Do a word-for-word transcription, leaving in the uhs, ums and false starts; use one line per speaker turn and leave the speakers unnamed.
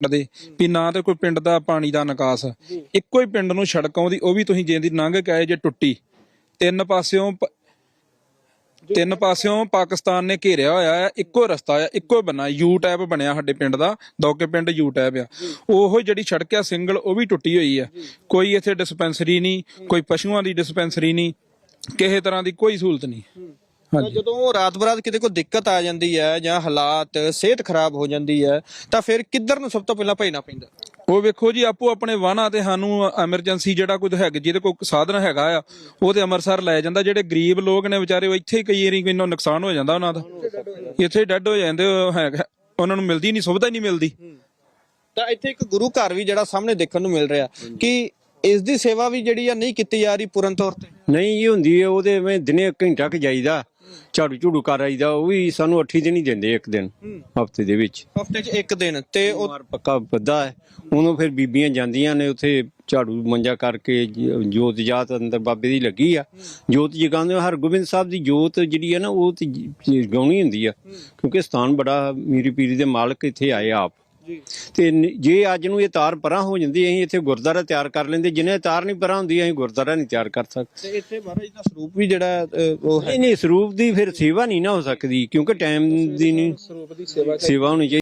ਦੇ ਵੀ ਨਾ ਤੇ ਕੋਈ ਪਿੰਡ ਦਾ ਪਾਣੀ ਦਾ ਨਿਕਾਸ, ਇੱਕੋ ਹੀ ਪਿੰਡ ਨੂੰ ਸੜਕ ਆਉਂਦੀ, ਉਹ ਵੀ ਤੁਸੀਂ ਜੇ ਦੀ ਲੰਘ ਕੇ ਆਏ ਜੇ ਟੁੱਟੀ। ਤਿੰਨ ਪਾਸਿਓਂ ਤਿੰਨ ਪਾਸਿਓਂ ਪਾਕਿਸਤਾਨ ਨੇ ਘੇਰਿਆ ਹੋਇਆ ਹੈ, ਇੱਕੋ ਰਸਤਾ ਆ, ਇੱਕੋ ਬੰਨਾ ਯੂ ਟੈਪ ਬਣਿਆ ਸਾਡੇ ਪਿੰਡ ਦਾ, ਦੋਕੇ ਪਿੰਡ ਯੂ ਟੈਪ ਆ। ਉਹ ਜਿਹੜੀ ਸੜਕ ਆ ਸਿੰਗਲ, ਉਹ ਵੀ ਟੁੱਟੀ ਹੋਈ ਆ। ਕੋਈ ਇੱਥੇ ਡਿਸਪੈਂਸਰੀ ਨਹੀਂ, ਕੋਈ ਪਸ਼ੂਆਂ ਦੀ ਡਿਸਪੈਂਸਰੀ ਨਹੀਂ, ਕਿਸੇ ਤਰ੍ਹਾਂ ਦੀ ਕੋਈ ਸਹੂਲਤ ਨਹੀਂ।
ਜਦੋਂ ਰਾਤ ਬਰਾਤ ਕਿਤੇ ਕੋਈ ਦਿੱਕਤ ਆ ਜਾਂਦੀ ਹੈ ਜਾਂ ਹਾਲਾਤ ਸਿਹਤ ਖਰਾਬ ਹੋ ਜਾਂਦੀ ਹੈ ਤਾਂ ਫਿਰ ਕਿੱਧਰ ਨੂੰ ਸਭ ਤੋਂ ਪਹਿਲਾਂ ਭਜਣਾ ਪੈਂਦਾ?
ਉਹ ਵੇਖੋ ਜੀ, ਆਪੋ ਆਪਣੇ ਵਾਹਨਾਂ ਤੇ ਸਾਨੂੰ ਐਮਰਜੈਂਸੀ ਜਿਹੜਾ ਕੋਈ ਹੈਗਾ, ਜਿਹਦੇ ਕੋਲ ਸਾਧਨ ਹੈਗਾ ਆ, ਉਹ ਤੇ ਅੰਮ੍ਰਿਤਸਰ ਲੈ ਜਾਂਦਾ। ਜਿਹੜੇ ਗਰੀਬ ਲੋਕ ਨੇ ਵਿਚਾਰੇ, ਉਹ ਇੱਥੇ ਕਈ ਵਾਰੀ ਕਿੰਨਾ ਨੁਕਸਾਨ ਹੋ ਜਾਂਦਾ ਉਹਨਾਂ ਦਾ, ਇੱਥੇ ਡੈਡ ਹੋ ਜਾਂਦੇ, ਹੈਗਾ ਉਹਨਾਂ ਨੂੰ ਮਿਲਦੀ ਨਹੀਂ, ਸੁਵਿਧਾ ਨਹੀਂ ਮਿਲਦੀ।
ਤਾਂ ਇੱਥੇ ਇੱਕ ਗੁਰੂ ਘਰ ਵੀ ਜਿਹੜਾ ਸਾਹਮਣੇ ਦੇਖਣ ਨੂੰ ਮਿਲ ਰਿਹਾ, ਕਿ ਇਸ ਦੀ ਸੇਵਾ ਵੀ ਜਿਹੜੀ ਆ ਨਹੀਂ ਕੀਤੀ ਜਾ ਰਹੀ ਪੂਰਨ ਤੌਰ ਤੇ।
ਨਹੀਂ ਜੀ ਹੁੰਦੀ ਹੈ, ਉਹਦੇ ਮੈਂ ਦਿਨੇ ਘੰਟਾ ਕ ਜਾਈਦਾ, ਝਾੜੂ ਝੂੜੂ ਕਰ ਆਈਦਾ, ਉਹ ਵੀ ਸਾਨੂੰ ਅੱਠੀ ਦਿਨ ਹੀ ਦਿੰਦੇ, ਇੱਕ ਦਿਨ ਹਫਤੇ ਦੇ ਵਿੱਚ,
ਹਫਤੇ 'ਚ ਇੱਕ ਦਿਨ। ਤੇ ਉਹ
ਪੱਕਾ ਬੱਦਾ ਹੈ, ਉਹਨੂੰ ਫਿਰ ਬੀਬੀਆਂ ਜਾਂਦੀਆਂ ਨੇ ਉੱਥੇ ਝਾੜੂ ਮੰਜਾ ਕਰਕੇ, ਜੋਤ ਜਾਤ ਅੰਦਰ ਬਾਬੇ ਦੀ ਲੱਗੀ ਆ, ਜੋਤ ਜਗਾਉਂਦੇ। ਹਰਗੋਬਿੰਦ ਸਾਹਿਬ ਦੀ ਜੋਤ ਜਿਹੜੀ ਹੈ ਨਾ, ਉਹ ਤੇ ਜਗਾਉਣੀ ਹੁੰਦੀ ਆ, ਕਿਉਂਕਿ ਸਥਾਨ ਬੜਾ ਮੀਰੀ ਪੀਰੀ ਦੇ ਮਾਲਕ ਇੱਥੇ ਆਏ ਆਪ। ਤੇ ਜੇ ਅੱਜ ਨੂੰ ਇਹ ਤਾਰ ਪਰਾਂ ਹੋ ਜਾਂਦੀ, ਅਸੀਂ ਇੱਥੇ ਗੁਰਦੁਆਰਾ ਤਿਆਰ ਕਰ ਲੈਂਦੇ। ਜਿੰਨੇ ਤਾਰ ਨਹੀਂ ਪਰਾਂ ਹੁੰਦੀ, ਅਸੀਂ ਗੁਰਦੁਆਰਾ ਨਹੀਂ ਤਿਆਰ ਕਰ ਸਕਦੇ।
ਤੇ ਇੱਥੇ ਮਹਾਰਾਜ ਦਾ ਸਰੂਪ ਵੀ ਜਿਹੜਾ ਉਹ
ਨਹੀਂ ਨਹੀਂ, ਸਰੂਪ ਦੀ ਫਿਰ ਸੇਵਾ ਨਹੀਂ ਨਾ ਹੋ ਸਕਦੀ, ਕਿਉਂਕਿ ਟਾਈਮ ਦੀ ਨਹੀਂ
ਸਰੂਪ ਦੀ ਸੇਵਾ
ਸੇਵਾ ਹੋਣੀ ਚਾਹੀਦੀ।